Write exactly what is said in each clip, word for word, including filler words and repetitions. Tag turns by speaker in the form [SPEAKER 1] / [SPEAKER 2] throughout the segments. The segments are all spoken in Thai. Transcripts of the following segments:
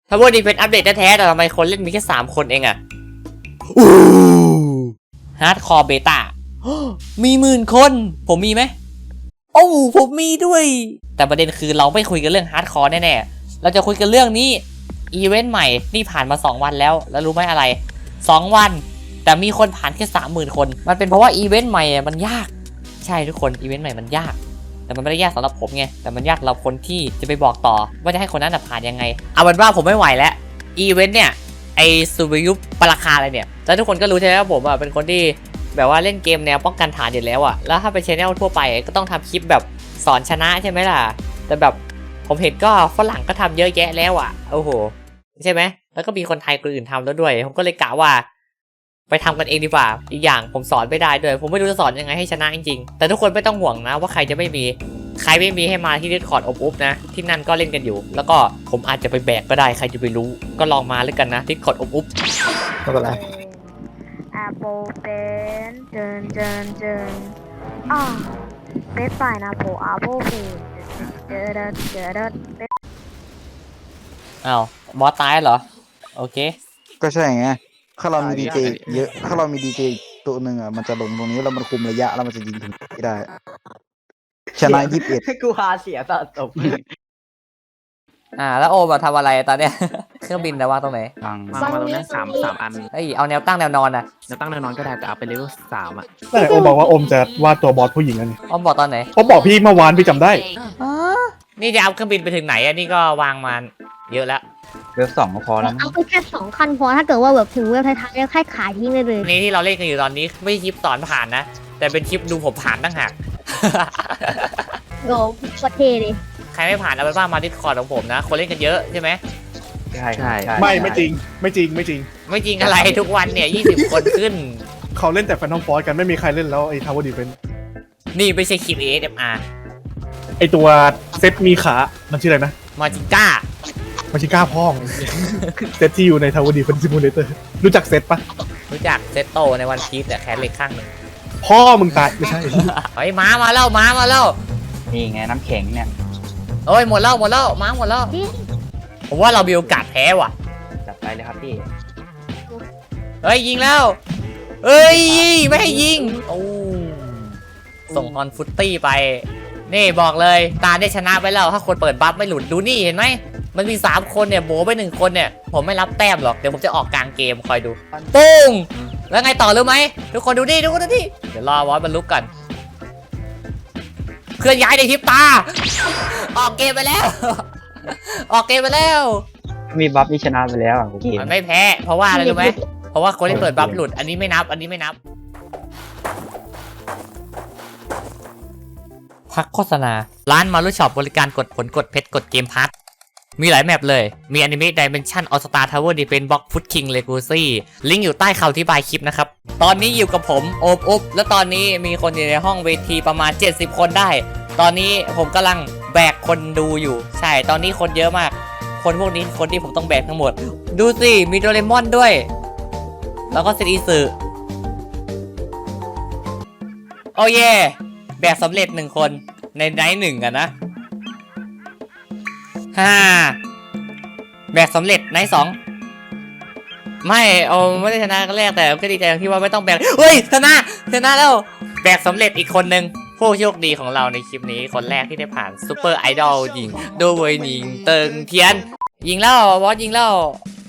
[SPEAKER 1] ถ้าว่าดีเป็นอัปเดตแท้ๆแต่ทำไมคนเล่นมีแค่สามคนเองอะฮาร์ดคอร์เบต้ามีหมื่นคนผมมีไหมโอ้ผมมีด้วยแต่ประเด็นคือเราไม่คุยกันเรื่องฮาร์ดคอร์แน่ๆเราจะคุยกันเรื่องนี้อีเวนต์ใหม่นี่ผ่านมาสองวันแล้วแล้วรู้ไหมอะไรสองวันแต่มีคนผ่านแค่ สามหมื่น คนมันเป็นเพราะว่าอีเวนต์ใหม่มันยากใช่ทุกคนอีเวนต์ใหม่มันยากแต่มันไม่ได้ยากสำหรับผมไงแต่มันยากสำหรับคนที่จะไปบอกต่อว่าจะให้คนนั้นผ่านยังไงเอาเป็นว่าผมไม่ไหวแล้วอีเวนต์เนี่ยไอซูเปอร์ยุปปราคาอะไรเนี่ยแล้วทุกคนก็รู้ใช่ไหมว่าผมอ่ะเป็นคนที่แบบว่าเล่นเกมแนวป้องกันฐานอยู่แล้วอ่ะแล้วถ้าเป็นชแนลทั่วไปก็ต้องทำคลิปแบบสอนชนะใช่ไหมล่ะแต่แบบผมเห็นก็ฝรั่งก็ทำเยอะแยะแล้วอ่ะโอ้โหใช่ไหมแล้วก็มีคนไทยคนอื่นทำแล้วด้วยผมก็เลยกะว่าไปทำกันเองดีกว่าอีกอย่างผมสอนไม่ได้ด้วยผมไม่รู้จะสอนยังไงให้ชนะจริงๆแต่ทุกคนไม่ต้องห่วงนะว่าใครจะไม่มีใครไม่มีให้มาที่ Discord อบอุ๊บนะที่นั่นก็เล่นกันอยู่แล้วก็ผมอาจจะไปแบกก็ได้ใครจะไปรู้ก็ลองมาเลยกันนะ Discord อบอุ๊บ
[SPEAKER 2] ไม่เป็นไร
[SPEAKER 3] Apple Pen เจินเจินเจินอ่าเว็บไซต์นะโผ Apple Pen เจอเดเจอเด
[SPEAKER 1] อ้าวบอสตายเหรอโอเค
[SPEAKER 2] ก็ใช่ไงถ้าเรามีดีเจเยอะถ้าเรามีดีเจตัวหนึ่งอ่ะมันจะลงตรงนี้แล้วมันคุมระยะแล้วมันจะยิงถึงที่ได้ชนะยี่สิบเอ็ด
[SPEAKER 4] กูหาเสียสะสม
[SPEAKER 1] อ่าแล้วโอมาทำอะไรตอนเนี้ยเครื่องบินนะวางตรงไหน
[SPEAKER 4] วางวางมาตรงนี้สามสามอัน
[SPEAKER 1] เอ้ยเอาแนวตั้งแนวนอนนะ
[SPEAKER 4] แนวตั้งแนวนอนก็ได้แต่เอาไปเลเวลสามอ่ะ
[SPEAKER 5] แต่โอบอกว่าโอมจะวาดตัวบอสผู้หญิงอันนี้
[SPEAKER 1] โอมบอกตอนไหน
[SPEAKER 5] โอมบอกพี่เมื่อวานพี่จำได้
[SPEAKER 1] นี่จะเอาเครื่องบินไปถึงไหนอ่ะนี่ก็วางมาเยอะแล้ว
[SPEAKER 4] เวลสองก็พอแล้ว
[SPEAKER 3] เอาไปแค่สองคันพอถ้าเกิดว่าแบบถึงเว็บท้ายๆแล้วแค่ขายทิ้งได้เลย
[SPEAKER 1] นี่ที่เราเล่นกันอยู่ตอนนี้ไม่ใช่คลิปสอนผ่านนะแต่เป็นคลิปดูผมผ่านตั้งหาก
[SPEAKER 3] โง่ประเทศเลย
[SPEAKER 1] ใครไม่ผ่านเอาไปว่ามาดิสคอร์ดของผมนะคนเล่นกันเยอะใช่ไหม
[SPEAKER 4] ใช่ใช่
[SPEAKER 5] ไม่ไม่จริงไม่จริงไม่จริง
[SPEAKER 1] ไม่จริงอะไรทุกวันเนี่ยยี่สิบคนขึ้น
[SPEAKER 5] เขาเล่นแต่แฟนทอมฟอร์สกันไม่มีใครเล่นแล้วไอ้ทาวเวอร์ดีเฟนส์
[SPEAKER 1] นี่ไม่ใช่คลิป เอ เอส เอ็ม อาร์
[SPEAKER 5] ไอ้ตัวเซตมีขามันชื่ออะไรนะ
[SPEAKER 1] มาจิก้า
[SPEAKER 5] มาจิก้าพ่องเซตที่อยู่ในทาวเวอร์ดีเฟนส์ซิมูเลเตอร์รู้จักเซตปะ
[SPEAKER 1] รู้จักเซตโตในวันพีซแต่แค่เล็กข้างหนึ่ง
[SPEAKER 5] พ่อมึงตายไม่ใช่
[SPEAKER 1] เฮ้ยม้ามาแล้วม้ามาแล้ว
[SPEAKER 4] นี่ไงน้ำแข็งเนี่ย
[SPEAKER 1] โอ้ยหมดแล้วหมดแล้วม้าหมดแล้วผมว่าเรามีโอกาสแพ้ว่ะ
[SPEAKER 4] จับไปเลยครับพี่
[SPEAKER 1] เฮ้ยยิงแล้วเอ้ยไม่ให้ยิงโอ้ส่งออนฟุตตี้ไปนี่บอกเลยตาได้ชนะไปแล้วถ้าคนเปิดบัฟไม่หลุดดูนี่เห็นไหมมันมีสามคนเนี่ยโบไปหนึ่งคนเนี่ยผมไม่รับแต้มหรอกเดี๋ยวผมจะออกกลางเกมคอยดูปุ้งแล้วไงต่อรู้ไหมทุกคนดูดิทุกคนดูดิเดี๋ยวรอวอสบรรลุกันเคลื่อนย้ายในทิปตาออกเกมไปแล้วออกเกมไปแล้ว
[SPEAKER 4] มีบัฟที่ชนะไปแล้ว
[SPEAKER 1] มันไม่แพ้เพราะว่าอะไรรู้ไหมเพราะว่าคนที่เปิดบัฟหลุดอันนี้ไม่นับอันนี้ไม่นับพักโฆษณาร้านมารุช็อปบริการกดผลกดเพชรกดเกมพัทมีหลายแมปเลยมีอนิเมะ Dimension All Star Tower Defense Box Foot King Legacy ลิงก์อยู่ใต้คำอธิบายคลิปนะครับตอนนี้อยู่กับผมโอบอุ๊บและตอนนี้มีคนอยู่ในห้องเวทีประมาณเจ็ดสิบคนได้ตอนนี้ผมกำลังแบกคนดูอยู่ใช่ตอนนี้คนเยอะมากคนพวกนี้คนที่ผมต้องแบกทั้งหมดดูสิมีโดเรมอนด้วยแล้วก็เซอิสึโอ้เย่แบกสำเร็จหนึ่งคนในไนท์หนึ่งกันนะฮ่าแบกสำเร็จไนท์สองไม่เอาไม่ได้ชนะกันแรกแต่ก็ดีใจที่ว่าไม่ต้องแบกเฮ้ยชนะชนะแล้วแบกสำเร็จอีกคนนึงผู้โชคดีของเราในคลิปนี้คนแรกที่ได้ผ่านซูเปอร์ไอดอลยิงโดยยิงเติงเทียนยิงแล้วบอสยิงแล้ว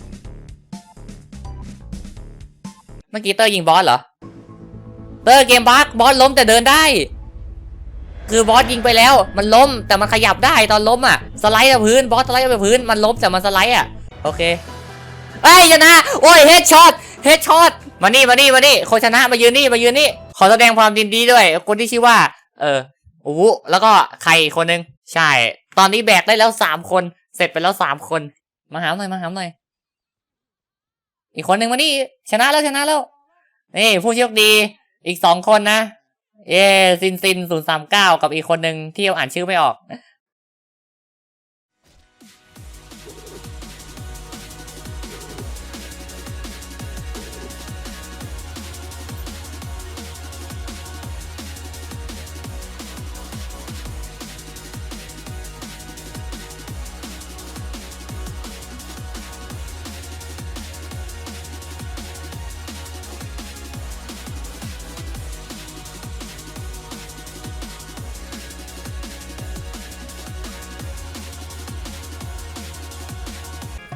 [SPEAKER 1] เมื่อกี้เตอร์ยิงบอสเหรอเตอร์เกมบั๊กบอสล้มแต่เดินได้คือบอสยิงไปแล้วมันล้มแต่มันขยับได้ตอนล้มอ่ะสไลด์กับพื้นบอสสไลด์กับพื้นมันล้มแต่มันสไลด์อ่ะโอเคเอ้ยชนะโอ้ยเฮดช็อตเฮดช็อตมานี่มานี่มานี่คนชนะมายืนนี่มายืนนี่ขอแสดงความยินดีด้วยคนที่ชื่อว่าเออโอ้โหแล้วก็ใครคนนึงใช่ตอนนี้แบกได้แล้วสามคนเสร็จไปแล้วสามคนมาหาหน่อยมาหาหน่อยอีกคนนึงมานี่ชนะแล้วชนะแล้วนี่ผู้โชคดีอีกสองคนนะเย้ซินซินศูนย์สามเก้ากับอีกคนหนึ่งที่อ่านชื่อไม่ออก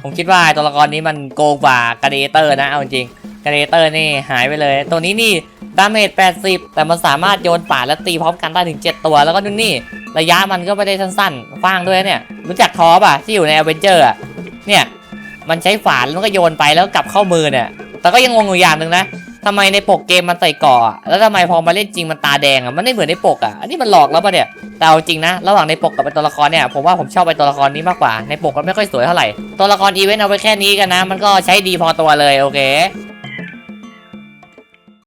[SPEAKER 1] ผมคิดว่าตัวละครนี้มันโกงกว่ากาเดเตอร์นะเอาจริงกาเดเตอร์นี่หายไปเลย ตัวนี้นี่ดาเมจแปดสิบแต่มันสามารถโยนป่าและตีพร้อมกันได้ถึงเจ็ดตัวแล้วก็นู่นนี่ระยะมันก็ไม่ได้สั้นๆกว้างด้วยเนี่ยรู้จักทอป่ะที่อยู่ในอเวนเจอร์อ่ะเนี่ยมันใช้ฝานแล้วก็โยนไปแล้วกลับเข้ามือเนี่ยแต่ก็ยังงงอยู่อย่างหนึ่งนะทำไมในปกเกมมันใส่เกาะแล้วทำไมพอมาเล่นจริงมันตาแดงอ่ะมันไม่เหมือนในปกอ่ะอันนี้มันหลอกแล้วป่ะเนี่ยแต่เอาจริงนะระหว่างในปกกับเป็นตัวละครเนี่ยผมว่าผมชอบไปตัวละครนี้มากกว่าในปกมันไม่ค่อยสวยเท่าไหร่ตัวละครอีเวนต์เอาไปแค่นี้กันนะมันก็ใช้ดีพอตัวเลยโอเค